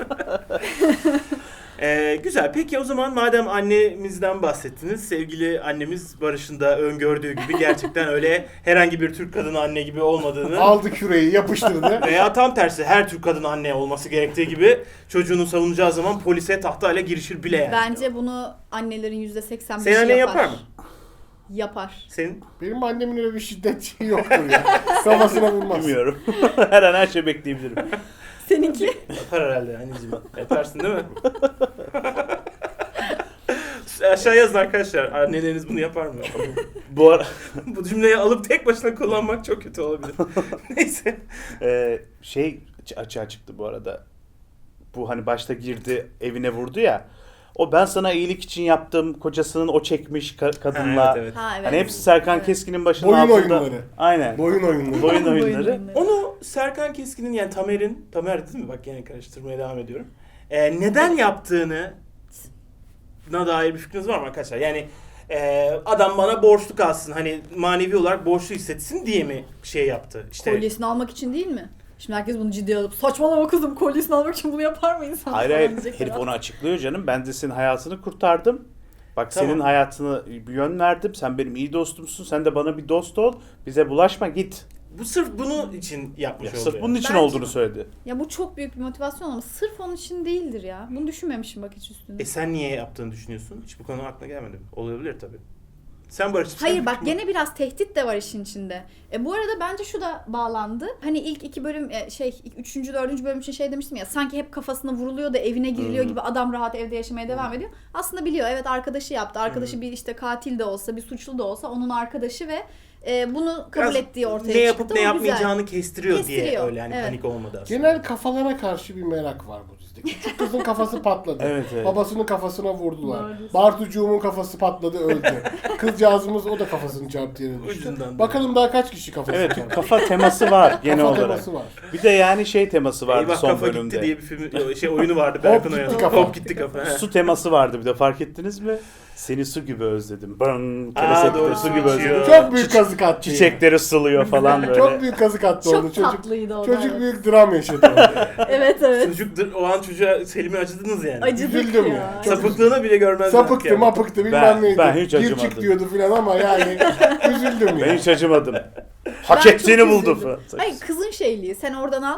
Speaker 1: Güzel. Peki o zaman madem annemizden bahsettiniz, sevgili annemiz Barış'ın da öngördüğü gibi gerçekten öyle herhangi bir Türk kadını anne gibi olmadığını
Speaker 4: Aldı küreği yapıştırdı.
Speaker 1: veya tam tersi her Türk kadını anne olması gerektiği gibi çocuğunu savunacağı zaman polise tahtayla girişir bile yani.
Speaker 2: Bence bunu annelerin %85'i
Speaker 1: Senin annen yapar mı?
Speaker 2: Yapar.
Speaker 1: Senin
Speaker 4: Benim annemin öyle bir şiddet şeyi yoktur ya. Kafasına vurmaz.
Speaker 3: Bilmiyorum. Her an her şey bekleyebilirim.
Speaker 2: Seninki?
Speaker 1: yapar herhalde anneciğim. Yaparsın değil mi? Aşağı yazın arkadaşlar. Anneleriniz bunu yapar mı?
Speaker 3: Bu ara
Speaker 1: Bu cümleyi alıp tek başına kullanmak çok kötü olabilir. Neyse.
Speaker 3: şey açığa çıktı bu arada. Bu hani başta girdi evine vurdu ya. O ben sana iyilik için yaptım. Kocasının o çekmiş kadınla.
Speaker 1: Ha, evet.
Speaker 2: Ha evet.
Speaker 3: Hani hepsi Serkan
Speaker 2: Evet.
Speaker 3: Keskin'in başının
Speaker 4: Boyun
Speaker 3: altında.
Speaker 4: oyunları.
Speaker 3: Aynen.
Speaker 4: Boyun oyunları.
Speaker 3: Boyun oyunları.
Speaker 1: Onu Serkan Keskin'in yani Tamer değil mi? Bak yine karıştırmaya devam ediyorum. Neden yaptığını dair bir fikriniz var mı arkadaşlar? Yani adam bana borçlu kalsın. Hani manevi olarak borçlu hissetsin diye mi şey yaptı? İşte
Speaker 2: Kolyesini almak için değil mi? Şimdi herkes bunu ciddiye alıp saçmalama kızım kolyesini almak için bunu yapar mı insan?
Speaker 3: Hayır
Speaker 2: falan
Speaker 3: hayır.
Speaker 2: diyecekler.
Speaker 3: Herif onu açıklıyor canım. Ben de senin hayatını kurtardım. Bak
Speaker 1: Tamam.
Speaker 3: senin hayatını bir yön verdim. Sen benim iyi dostumsun. Sen de bana bir dost ol. Bize bulaşma git.
Speaker 1: bu sırf bunun için yapmış
Speaker 3: Ya,
Speaker 1: oldu.
Speaker 3: sırf bunun için
Speaker 2: Bence-
Speaker 3: olduğunu söyledi.
Speaker 2: Ya bu çok büyük bir motivasyon ama sırf onun için değildir ya. Bunu düşünmemişim bak hiç üstüne.
Speaker 1: Sen niye yaptığını düşünüyorsun? Hiç bu konu aklına gelmedi mi? Olabilir tabii. Sen Barış.
Speaker 2: Hayır bak gene biraz tehdit de var işin içinde. Bu arada bence şu da bağlandı. Hani ilk iki bölüm ilk 3. 4. bölüm için şey demiştim ya sanki hep kafasına vuruluyor da evine giriliyor gibi adam rahat evde yaşamaya devam ediyor. Aslında biliyor evet arkadaşı yaptı. Arkadaşı bir işte katil de olsa bir suçlu da olsa onun arkadaşı ve bunu kabul
Speaker 1: Biraz
Speaker 2: ettiği ortaya
Speaker 1: ne
Speaker 2: çıktı.
Speaker 1: yapıp ne
Speaker 2: O güzel.
Speaker 1: yapmayacağını kestiriyor diye
Speaker 2: Kestiriyor,
Speaker 1: öyle hani
Speaker 2: evet.
Speaker 1: panik olmadı aslında.
Speaker 4: Genel kafalara karşı bir merak var bu dizide. Küçük kızın kafası patladı.
Speaker 3: Evet, evet.
Speaker 4: Babasının kafasına vurdular.
Speaker 2: Doğru.
Speaker 4: Bartucuğumun kafası patladı öldü. Kızcağızımız o da kafasını çarptı yere düştü.
Speaker 1: Ucundan.
Speaker 4: Bakalım daha kaç kişi kafasını
Speaker 3: Evet
Speaker 4: çarptı.
Speaker 3: kafa teması var genel
Speaker 4: Kafa
Speaker 3: olarak.
Speaker 4: teması var.
Speaker 3: Bir de yani şey teması vardı
Speaker 1: Eyvah
Speaker 3: son
Speaker 1: kafa
Speaker 3: bölümde.
Speaker 1: gitti diye bir film oyunu vardı Berkun
Speaker 4: gitti
Speaker 1: Oya'nın.
Speaker 4: kafa.
Speaker 1: Hop gitti kafa. he.
Speaker 3: Su teması vardı bir de fark ettiniz mi? Seni su gibi özledim. Bang,
Speaker 1: Aa,
Speaker 3: kereste
Speaker 1: doğru,
Speaker 3: su gibi
Speaker 1: su
Speaker 3: özledim.
Speaker 1: içiyor.
Speaker 4: Çok büyük kazık attı.
Speaker 3: Çiçekleri sılıyor falan böyle.
Speaker 4: Çok büyük kazık attı
Speaker 2: Çok
Speaker 4: onu. Çocuk,
Speaker 2: tatlıydı o da.
Speaker 4: çocuk
Speaker 2: evet.
Speaker 4: büyük dram yaşadı orada.
Speaker 2: Evet evet.
Speaker 1: Çocuk o an çocuğa Selim'e acıdınız yani.
Speaker 2: Acıdık
Speaker 4: Üzüldüm
Speaker 2: ya.
Speaker 4: ya.
Speaker 1: Sapıklığına bile görmezdik
Speaker 4: Sapıktı
Speaker 1: yani.
Speaker 4: mapıktı bilmem neydi.
Speaker 3: ben hiç
Speaker 4: Gir
Speaker 3: acımadım.
Speaker 4: çık diyordu filan ama yani üzüldüm ya.
Speaker 3: Ben hiç acımadım. Hak
Speaker 2: Ben
Speaker 3: ettiğini
Speaker 2: çok
Speaker 3: buldu
Speaker 2: üzüldüm.
Speaker 3: falan.
Speaker 2: Hayır kızın şeyliği sen oradan al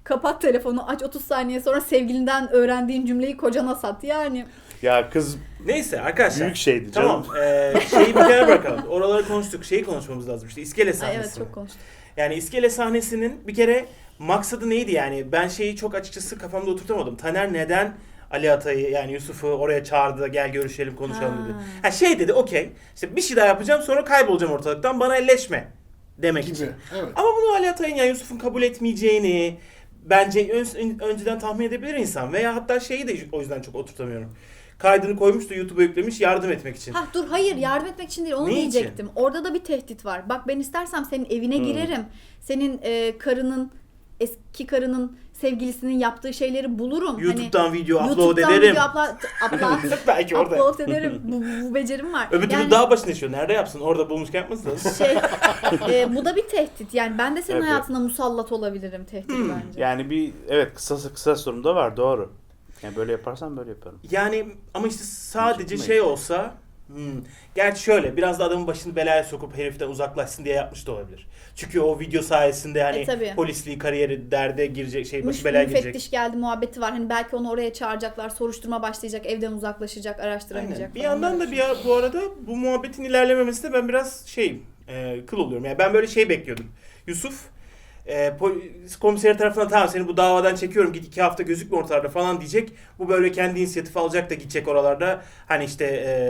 Speaker 2: kapat telefonu, aç 30 saniye sonra sevgilinden öğrendiğin cümleyi kocana sat. Yani
Speaker 3: Ya kız
Speaker 1: Neyse arkadaşlar.
Speaker 3: büyük şeydi canım.
Speaker 1: Tamam. Şeyi bir kenara bırakalım. Oraları konuştuk. Şeyi konuşmamız lazım işte. İskele
Speaker 2: ay
Speaker 1: sahnesi.
Speaker 2: evet çok konuştuk.
Speaker 1: Yani iskele sahnesinin bir kere maksadı neydi yani? Ben şeyi çok açıkçası kafamda oturtamadım. Taner neden Ali Atay'ı yani Yusuf'u oraya çağırdı da gel görüşelim konuşalım dedi. Ha şey dedi okey. İşte bir şey daha yapacağım sonra kaybolacağım ortalıktan bana elleşme demek için.
Speaker 4: Gibi. Evet.
Speaker 1: Ama bunu Ali Atay'ın yani Yusuf'un kabul etmeyeceğini bence önceden tahmin edebilir insan. Veya hatta şeyi de o yüzden çok oturtamıyorum. Kaydını koymuş da YouTube'a yüklemiş yardım etmek için.
Speaker 2: Ha dur hayır yardım etmek için değil onu
Speaker 1: Ne için?
Speaker 2: diyecektim. Orada da bir tehdit var. Bak ben istersem senin evine girerim. Senin karının eski karının sevgilisinin yaptığı şeyleri bulurum.
Speaker 1: YouTube'dan video upload
Speaker 2: YouTube'dan
Speaker 1: ederim.
Speaker 2: video upload
Speaker 1: Belki orada.
Speaker 2: upload ederim. Bu becerim var.
Speaker 1: Öbür türlü
Speaker 2: Yani
Speaker 1: dağ başına yaşıyor. Nerede yapsın? Orada bulmuşken yapmasın.
Speaker 2: şey bu da bir tehdit. Yani ben de senin
Speaker 3: Evet.
Speaker 2: hayatına musallat olabilirim tehdit bence.
Speaker 3: Yani bir evet kısa sorumda var doğru. Yani böyle yaparsan böyle yaparım.
Speaker 1: Yani ama işte sadece
Speaker 3: Çekmeyin.
Speaker 1: şey olsa gerçi şöyle biraz da adamın başını belaya sokup heriften uzaklaşsın diye yapmış da olabilir. Çünkü o video sayesinde hani
Speaker 2: tabii.
Speaker 1: polisliği kariyeri derde girecek başı belaya girecek.
Speaker 2: Müfettiş geldi muhabbeti var. Hani belki onu oraya çağıracaklar. Soruşturma başlayacak. Evden uzaklaşacak. Araştıramayacak
Speaker 1: Aynen. Bir
Speaker 2: falan.
Speaker 1: yandan
Speaker 2: Böyle
Speaker 1: da bu arada bu muhabbetin ilerlememesi de ben biraz kıl oluyorum. Yani ben böyle şey bekliyordum. Yusuf polis komiseri tarafından tamam seni bu davadan çekiyorum git 2 hafta gözükme ortalarda falan diyecek. Bu böyle kendi inisiyatif alacak da gidecek oralarda. Hani işte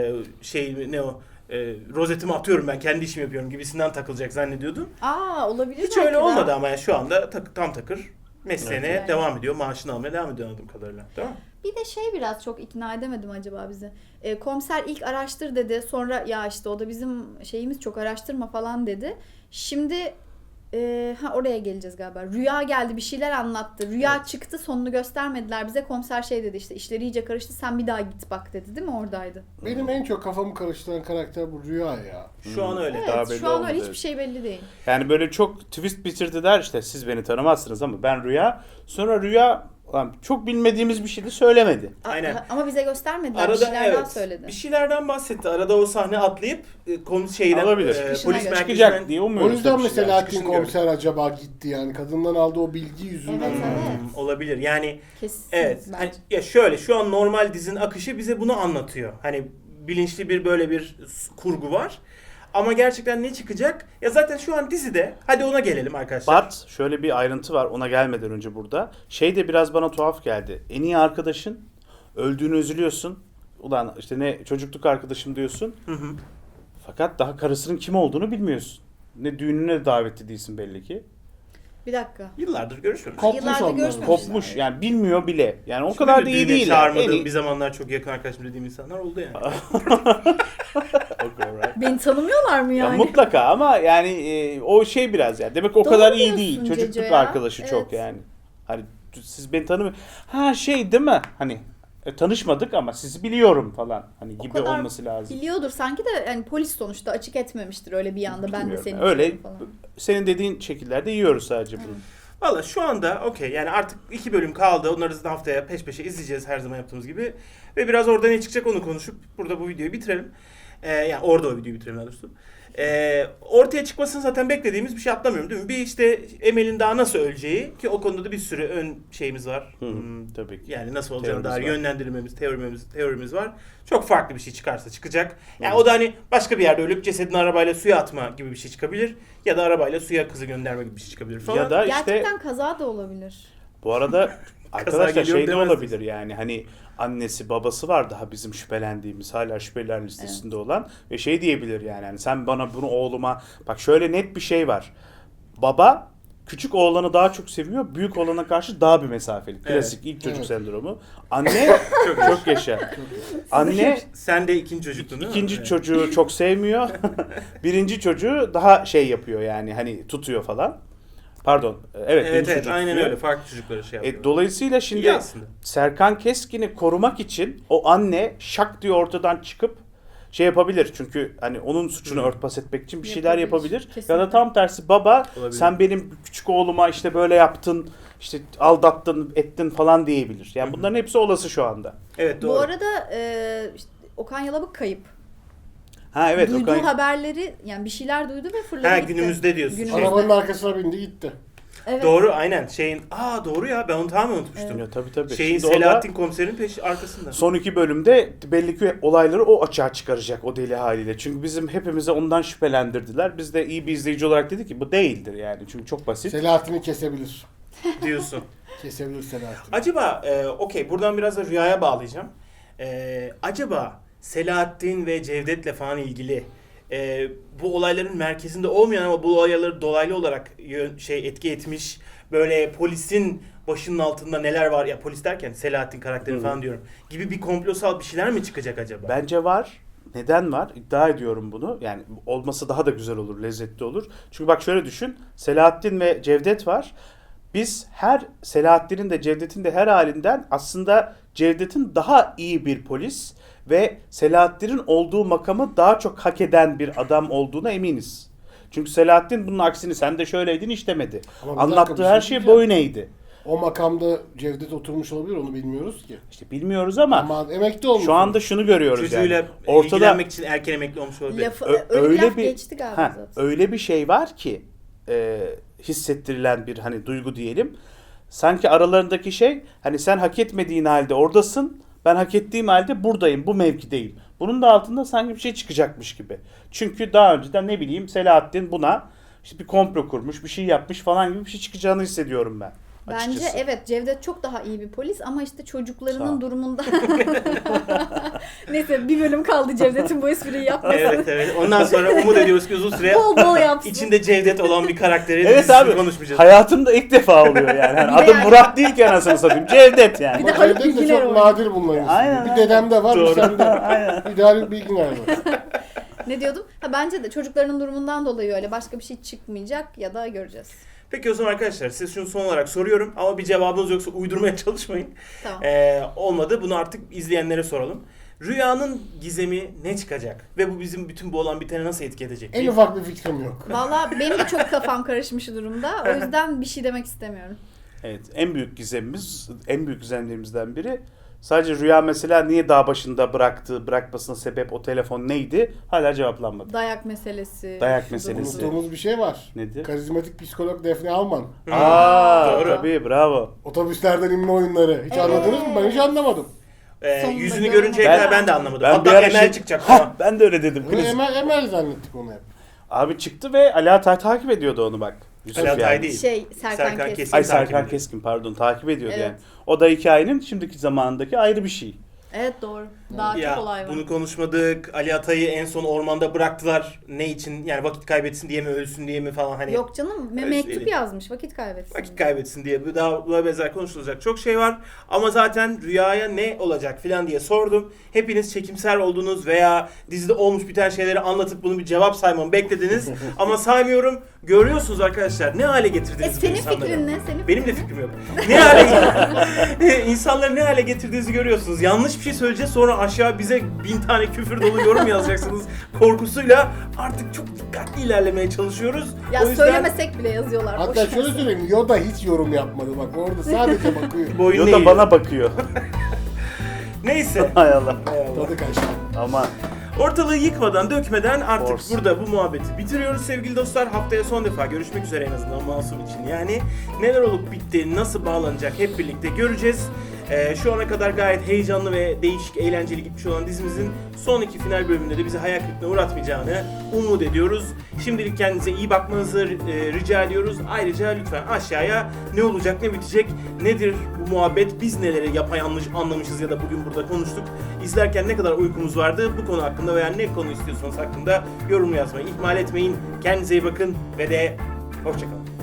Speaker 1: rozetimi atıyorum ben kendi işimi yapıyorum gibisinden takılacak zannediyordum.
Speaker 2: olabilir
Speaker 1: Hiç
Speaker 2: belki
Speaker 1: öyle
Speaker 2: de.
Speaker 1: olmadı ama yani şu anda tam takır mesleğine
Speaker 2: Evet.
Speaker 1: devam ediyor. Maaşını almaya devam ediyor anladığım kadarıyla. Değil mi?
Speaker 2: Bir de biraz çok ikna edemedim acaba bizi. Komiser ilk araştır dedi. Sonra ya işte o da bizim şeyimiz çok araştırma falan dedi. Şimdi oraya geleceğiz galiba. Rüya geldi bir şeyler anlattı. Rüya çıktı sonunu göstermediler bize. Komiser dedi işte işleri iyice karıştı sen bir daha git bak dedi değil mi oradaydı?
Speaker 4: Benim en çok kafamı karıştıran karakter bu Rüya ya.
Speaker 1: Şu an öyle.
Speaker 3: Daha
Speaker 2: Evet
Speaker 3: belli
Speaker 2: şu an
Speaker 3: olmadı,
Speaker 2: öyle
Speaker 3: evet.
Speaker 2: hiçbir şey belli değil.
Speaker 3: Yani böyle çok twist bitirdiler işte siz beni tanımazsınız ama ben Rüya. Sonra Rüya lan çok bilmediğimiz bir şey de söylemedi.
Speaker 1: Aynen.
Speaker 2: Ama bize göstermediler.
Speaker 1: Arada
Speaker 2: bir şeyler daha
Speaker 1: evet,
Speaker 2: söyledi.
Speaker 1: bir şeylerden bahsetti. Arada o sahne atlayıp şeyden
Speaker 3: Olabilir.
Speaker 2: Çıkışına
Speaker 1: polis
Speaker 2: göre.
Speaker 3: Çıkacak
Speaker 1: merkezinden
Speaker 3: diye
Speaker 4: O
Speaker 3: umuyoruz.
Speaker 4: yüzden
Speaker 3: tabii
Speaker 4: mi
Speaker 3: şeyler.
Speaker 4: Selahattin
Speaker 1: çıkışını
Speaker 4: komiser acaba gitti yani? Kadından aldığı o bilgi yüzünden.
Speaker 2: Evet, evet.
Speaker 1: olabilir. Yani
Speaker 2: Kesin
Speaker 1: evet.
Speaker 2: bence.
Speaker 1: Hani, ya şöyle şu an normal dizinin akışı bize bunu anlatıyor. Hani bilinçli bir böyle bir kurgu var. Ama gerçekten ne çıkacak? Ya zaten şu an dizide. Hadi ona gelelim arkadaşlar.
Speaker 3: But şöyle bir ayrıntı var ona gelmeden önce burada. Şey de biraz bana tuhaf geldi. En iyi arkadaşın öldüğünü üzülüyorsun. Ulan işte ne çocukluk arkadaşım diyorsun.
Speaker 1: Hı hı.
Speaker 3: Fakat daha karısının kim olduğunu bilmiyorsun. Ne düğününe davetli değilsin belli ki.
Speaker 2: Bir dakika.
Speaker 1: Yıllardır görüşüyoruz.
Speaker 4: Kopmuş
Speaker 2: Yıllardır
Speaker 4: onlar.
Speaker 2: görüşmemişler.
Speaker 3: Kopmuş yani bilmiyor bile. Yani o
Speaker 1: Şimdi
Speaker 3: kadar
Speaker 1: de
Speaker 3: da iyi
Speaker 1: düğüne
Speaker 3: değil.
Speaker 1: çağırmadığım
Speaker 3: En iyi-
Speaker 1: bir zamanlar çok yakın arkadaşım dediğim insanlar oldu yani.
Speaker 3: Okay, alright.
Speaker 2: Beni tanımıyorlar mı
Speaker 3: Ya
Speaker 2: yani?
Speaker 3: mutlaka ama yani o şey biraz yani. Demek o
Speaker 2: Doğru
Speaker 3: kadar iyi
Speaker 2: diyorsun
Speaker 3: değil. Çocukluk
Speaker 2: Cece ya.
Speaker 3: arkadaşı çok
Speaker 2: Evet.
Speaker 3: yani. Hani siz beni tanımıyor. Ha şey değil mi? Hani tanışmadık ama sizi biliyorum falan. Hani
Speaker 2: O
Speaker 3: gibi
Speaker 2: kadar
Speaker 3: olması lazım.
Speaker 2: Biliyordur sanki de yani polis sonuçta açık etmemiştir öyle bir anda ben de
Speaker 3: Bilmiyorum.
Speaker 2: seni
Speaker 3: Öyle
Speaker 2: biliyorum falan.
Speaker 3: senin dediğin şekillerde yiyoruz sadece bunu.
Speaker 1: Valla şu anda okey yani artık 2 bölüm kaldı. Onları zaten haftaya peş peşe izleyeceğiz her zaman yaptığımız gibi. Ve biraz orada ne çıkacak onu konuşup burada bu videoyu bitirelim. Yani orada o videoyu bitirelim daha doğrusu. Ortaya çıkmasını zaten beklediğimiz bir şey atlamıyorum değil mi? Bir işte Emel'in daha nasıl öleceği ki o konuda da bir sürü ön şeyimiz var.
Speaker 3: Tabii ki.
Speaker 1: Yani nasıl olacağını dair
Speaker 3: Teorimiz var.
Speaker 1: yönlendirmemiz, teorimiz var. Çok farklı bir şey çıkarsa çıkacak. Yani o da hani başka bir yerde ölüp cesedini arabayla suya atma gibi bir şey çıkabilir. Ya da arabayla suya kızı gönderme gibi bir şey çıkabilir falan.
Speaker 3: Ya da işte
Speaker 2: Gerçekten kaza da olabilir.
Speaker 3: bu arada arkadaşlar
Speaker 1: geliyor
Speaker 3: şey de
Speaker 1: demez
Speaker 3: olabilir yani hani annesi babası var daha bizim şüphelendiğimiz hala şüpheliler listesinde olan ve şey diyebilir yani hani sen bana bunu oğluma bak şöyle net bir şey var. Baba küçük oğlanı daha çok seviyor, büyük oğlana karşı daha bir mesafeli. Klasik ilk çocuk
Speaker 4: Evet.
Speaker 3: sendromu. Anne çok yaşa. Anne
Speaker 1: Sen de ikinci çocuktun değil mi?
Speaker 3: ikinci
Speaker 1: Evet.
Speaker 3: çocuğu çok sevmiyor. Birinci çocuğu daha şey yapıyor yani hani tutuyor falan. Pardon. Evet,
Speaker 1: Evet
Speaker 3: birinci
Speaker 1: evet
Speaker 3: çocuk
Speaker 1: aynen
Speaker 3: tutuyor.
Speaker 1: öyle farklı çocuklara şey yapıyor.
Speaker 3: Dolayısıyla
Speaker 1: İyi
Speaker 3: şimdi
Speaker 1: aslında.
Speaker 3: Serkan Keskin'i korumak için o anne şak diye ortadan çıkıp şey yapabilir. Çünkü hani onun suçunu örtbas etmek için bir şeyler
Speaker 2: Yapabilir,
Speaker 3: yapabilir. Ya
Speaker 2: kesinlikle.
Speaker 3: da tam tersi baba
Speaker 1: Olabilir.
Speaker 3: sen benim küçük oğluma işte böyle yaptın, işte aldattın, ettin falan diyebilir. Yani bunların hepsi olası şu anda.
Speaker 1: Evet doğru.
Speaker 2: Bu arada işte Okan Yalabık kayıp.
Speaker 3: Ha evet
Speaker 2: Duyduğu
Speaker 3: Okan.
Speaker 2: haberleri yani bir şeyler duydu ve fırladı
Speaker 1: Ha
Speaker 2: gitti.
Speaker 1: günümüzde diyorsun.
Speaker 2: Günümüzde.
Speaker 4: Arabanın arkasına bindi gitti.
Speaker 2: Evet.
Speaker 1: Doğru aynen doğru ya ben onu tamamen unutmuştum.
Speaker 3: Ya tabii.
Speaker 1: Şeyin
Speaker 3: Şimdi o da
Speaker 1: Selahattin komiserin arkasında.
Speaker 3: son 2 bölümde belli ki olayları o açığa çıkaracak o deli haliyle. Çünkü bizim hepimize ondan şüphelendirdiler. Biz de iyi bir izleyici olarak dedik ki bu değildir yani. Çünkü çok basit.
Speaker 4: Selahattin'i kesebilir.
Speaker 1: Diyorsun.
Speaker 4: Kesebilir Selahattin.
Speaker 1: Acaba okey buradan biraz da Rüya'ya bağlayacağım. Acaba Selahattin ve Cevdet'le falan ilgili bu olayların merkezinde olmayan ama bu olayları dolaylı olarak etki etmiş böyle polisin başının altında neler var ya polis derken Selahattin karakteri falan diyorum gibi bir komplosal bir şeyler mi çıkacak acaba?
Speaker 3: Bence var. Neden var? İddia ediyorum bunu. Yani olması daha da güzel olur, lezzetli olur. Çünkü bak şöyle düşün. Selahattin ve Cevdet var. Biz her Selahattin'in de Cevdet'in de her halinden aslında Cevdet'in daha iyi bir polis ve Selahattin'in olduğu makamı daha çok hak eden bir adam olduğuna eminiz. Çünkü Selahattin bunun aksini sen de şöyleydin hiç demedi.
Speaker 4: Ama bir
Speaker 3: Anlattığı
Speaker 4: dakika, bir
Speaker 3: her
Speaker 4: şey
Speaker 3: şey
Speaker 4: diyeceğim.
Speaker 3: boyun eğdi.
Speaker 4: O makamda Cevdet oturmuş olabilir, onu bilmiyoruz ki.
Speaker 3: İşte bilmiyoruz ama
Speaker 4: Ama emekli olmuş.
Speaker 3: şu anda şunu görüyoruz
Speaker 1: Çocuğuyla
Speaker 3: yani. Ortada
Speaker 1: ilgilenmek için erken emekli olmuş olabilir.
Speaker 2: Öyle bir laf geçti galiba zaten.
Speaker 3: öyle bir şey var ki hissettirilen bir hani duygu diyelim. Sanki aralarındaki şey hani sen hak etmediğin halde oradasın. Ben hak ettiğim halde buradayım. Bu mevkideyim. Bunun da altında sanki bir şey çıkacakmış gibi. Çünkü daha önceden ne bileyim Selahattin buna işte bir komplo kurmuş, bir şey yapmış falan gibi bir şey çıkacağını hissediyorum ben.
Speaker 2: Bence
Speaker 3: Açıkçası.
Speaker 2: evet Cevdet çok daha iyi bir polis ama işte
Speaker 3: Sağ ol.
Speaker 2: çocuklarının durumunda neyse bir bölüm kaldı Cevdet'in bu espriyi yapmasın.
Speaker 1: Evet. Ondan sonra umut ediyoruz ki uzun süre
Speaker 2: Bol bol yapsın.
Speaker 1: içinde Cevdet olan bir karakteri
Speaker 3: Evet
Speaker 1: dizisini
Speaker 3: abi.
Speaker 1: konuşmayacağız.
Speaker 3: Hayatımda ilk defa oluyor yani. Hani
Speaker 2: Bir de
Speaker 3: adım
Speaker 2: yani-
Speaker 3: Murat değil ki anasını satayım. Cevdet yani.
Speaker 2: Bir de
Speaker 4: Ama
Speaker 2: Haluk
Speaker 4: Cevdet de
Speaker 2: Bilginer
Speaker 4: çok
Speaker 2: oynuyor.
Speaker 4: nadir bulunan insan.
Speaker 3: Aynen,
Speaker 4: Bir dedemde var, bir
Speaker 1: Doğru.
Speaker 4: sende.
Speaker 3: Aynen.
Speaker 4: Bir de Haluk Bilginer var.
Speaker 2: Ne diyordum? Bence de çocuklarının durumundan dolayı öyle başka bir şey çıkmayacak ya da göreceğiz.
Speaker 1: Peki o zaman arkadaşlar size şunu son olarak soruyorum ama bir cevabınız yoksa uydurmaya çalışmayın.
Speaker 2: Tamam.
Speaker 1: Olmadı bunu artık izleyenlere soralım. Rüyanın gizemi ne çıkacak? Ve bu bizim bütün bu olan bitene nasıl etki edecek?
Speaker 4: En ufak bir fikrim yok.
Speaker 2: Valla benim de çok kafam karışmış durumda. O yüzden bir şey demek istemiyorum.
Speaker 3: Evet, en büyük gizemimiz, en büyük gizemlerimizden biri sadece Rüya mesela niye dağ başında bırakmasına sebep o telefon neydi? Hala cevaplanmadı.
Speaker 2: Dayak meselesi.
Speaker 3: Dayak
Speaker 2: şudur
Speaker 3: meselesi.
Speaker 2: budur.
Speaker 4: Unuttuğumuz bir şey var.
Speaker 3: Nedir?
Speaker 4: Karizmatik psikolog Defne Alman.
Speaker 3: Aa,
Speaker 1: Doğru.
Speaker 3: tabii bravo.
Speaker 4: Otobüslerden inme oyunları. Hiç
Speaker 2: Evet.
Speaker 4: anladınız mı? Ben hiç anlamadım.
Speaker 2: Sonunda
Speaker 1: Yüzünü
Speaker 2: göremedim.
Speaker 1: görünceye kadar ben de anlamadım.
Speaker 3: Ben
Speaker 1: Hatta
Speaker 3: bir ara
Speaker 1: Emel çıkacak
Speaker 3: Hah,
Speaker 1: falan.
Speaker 3: ben de öyle dedim.
Speaker 4: Bunu
Speaker 3: Kriz.
Speaker 4: Emel zannettik onu hep.
Speaker 3: Abi çıktı ve Ali Atay takip ediyordu onu bak. Yusuf
Speaker 1: Ali Atay
Speaker 3: yani.
Speaker 1: değil.
Speaker 2: Serkan
Speaker 1: Serkan
Speaker 2: Keskin.
Speaker 1: Keskin.
Speaker 3: Ay
Speaker 1: takip
Speaker 3: Serkan
Speaker 1: ediyor.
Speaker 3: Keskin pardon takip ediyordu
Speaker 2: Evet.
Speaker 3: yani. O da hikayenin şimdiki zamandaki ayrı bir şey.
Speaker 2: Evet doğru. Daha
Speaker 1: Ya
Speaker 2: çok olay var.
Speaker 1: bunu konuşmadık. Ali Atay'ı en son ormanda bıraktılar. Ne için? Yani vakit kaybetsin diye mi, ölsün diye mi falan hani.
Speaker 2: Yok canım
Speaker 1: Öyle
Speaker 2: mektup
Speaker 1: değil.
Speaker 2: yazmış vakit kaybetsin.
Speaker 1: Vakit kaybetsin diye. Daha buna benzer konuşulacak çok şey var. Ama zaten rüyaya ne olacak filan diye sordum. Hepiniz çekimser oldunuz veya dizide olmuş biten şeyleri anlatıp bunu bir cevap saymamı beklediniz. Ama saymıyorum. Görüyorsunuz arkadaşlar ne hale getirdiniz bu
Speaker 2: Senin
Speaker 1: insanları.
Speaker 2: fikrin ne? Senin
Speaker 1: Benim de
Speaker 2: fikrin
Speaker 1: fikrim yok. Ne hale insanları ne hale getirdiğinizi görüyorsunuz. Yanlış bir şey söyleyeceğiz sonra aşağı bize 1000 tane küfür dolu yorum yazacaksınız korkusuyla artık çok dikkatli ilerlemeye çalışıyoruz.
Speaker 2: Ya
Speaker 1: O yüzden
Speaker 2: söylemesek bile yazıyorlar.
Speaker 4: Hatta
Speaker 2: boş ver.
Speaker 4: şöyle söyleyeyim. Yoda hiç yorum yapmadı bak. Orada sadece bakıyor.
Speaker 1: boyun
Speaker 3: Yoda
Speaker 1: eğiyor.
Speaker 3: bana bakıyor.
Speaker 1: Neyse.
Speaker 3: Hay Allah.
Speaker 4: Tadı kaçtı.
Speaker 3: Ama
Speaker 1: Ortalığı yıkmadan, dökmeden artık
Speaker 3: Force.
Speaker 1: burada bu muhabbeti bitiriyoruz sevgili dostlar. Haftaya son defa görüşmek üzere en azından Masum için. Yani neler olup bitti, nasıl bağlanacak hep birlikte göreceğiz. Şu ana kadar gayet heyecanlı ve değişik, eğlenceli gitmiş olan dizimizin son iki final bölümünde de bizi hayal kırıklığına uğratmayacağını umut ediyoruz. Şimdilik kendinize iyi bakmanızı rica ediyoruz. Ayrıca lütfen aşağıya ne olacak, ne bitecek, nedir bu muhabbet, biz neleri yapayalnız anlamışız ya da bugün burada konuştuk. İzlerken ne kadar uykumuz vardı bu konu hakkında veya ne konu istiyorsanız hakkında yorum yazmayı ihmal etmeyin. Kendinize iyi bakın ve de hoşçakalın.